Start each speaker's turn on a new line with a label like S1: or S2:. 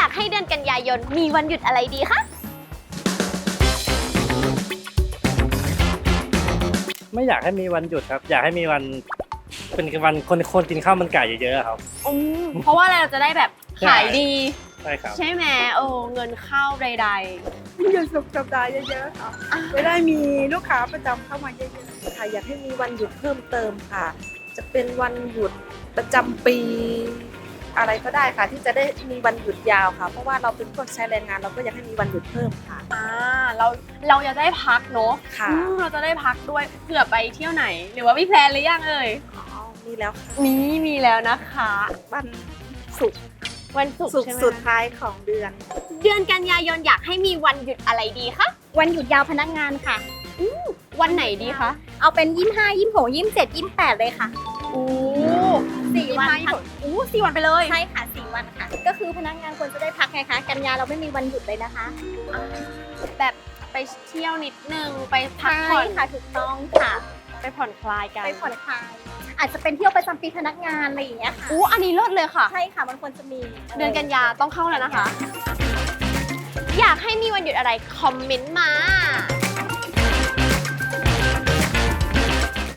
S1: ากให้เดือนกันยายนมีวันหยุดอะไรดีคะ
S2: ไม่อยากให้มีวันหยุดครับ อยากให้มีวันเป็นวันคนกินข้าวมันไก่เยอะๆครับ
S1: เพราะว่าเราจะได้แบบขายดี
S2: ใช่ครับ
S1: ใช่ไหมเงินเข้าใด
S3: หยุดสุกร์สัปดาห์เยอะๆค่ะจะได้มีลูกค้าประจำเข้ามาเยอะๆค่ะอยากให้มีวันหยุดเพิ่มเติมค่ะ จะเป็นวันหยุดประจำปี อะไรก็ได้ค่ะ ที่จะได้มีวันหยุดยาวค่ะ เพราะว่าเราเป็นคนใช้แรงงานเราก็อยากให้มีวันหยุดเพิ่มค่ะ
S1: เราจะได้พักเนอะ
S3: ค่ะ
S1: เราจะได้พักด้วยเผื่อไปเที่ยวไหน หรือว่ามีแพลนหรือยังเอ่ย
S3: อ๋อมีแล้วค่ะ
S1: มีแล้วนะคะ
S3: วันศุกร์
S1: วันศุกร์
S3: ศุก
S1: ใช่
S3: ร์
S1: ไหม
S3: สุดท้ายของเดือน
S1: เดือนกันยายนอยากให้มีวันหยุดอะไรดีคะ
S4: วันหยุดยาวพนักงานค่ะ
S1: วันไหนดีคะ
S4: เอาเป็น 25 26 27 28 เลยค่ะ
S1: โอ้
S4: 4 วันค่ะ
S1: 4 วันไปเลย
S4: ใช่ค่ะ 4 วันค่ะ ก็คือพนักงานควรจะได้พักไงคะ กันยาเราไม่มีวันหยุดเลยนะคะ
S1: แบบไปเที่ยวนิดนึงไปพัก
S4: ใช่
S1: ผ่อน
S4: ค่ะ ถูกต้องค่ะ
S1: ไปผ่อนคลายกัน
S4: ไปผ่อนคลาย อาจจะเป็นเที่ยวประจำปีพนักงานอะไรอย่างเงี้ยค่ะ
S1: อันนี้เลิศเลยค่ะ
S4: ใช่ค่ะ มันควรจะมี
S1: เดือนกันยาต้องเข้าแล้วนะคะ อยากให้มีวันหยุดอะไรคอมเมนต์มา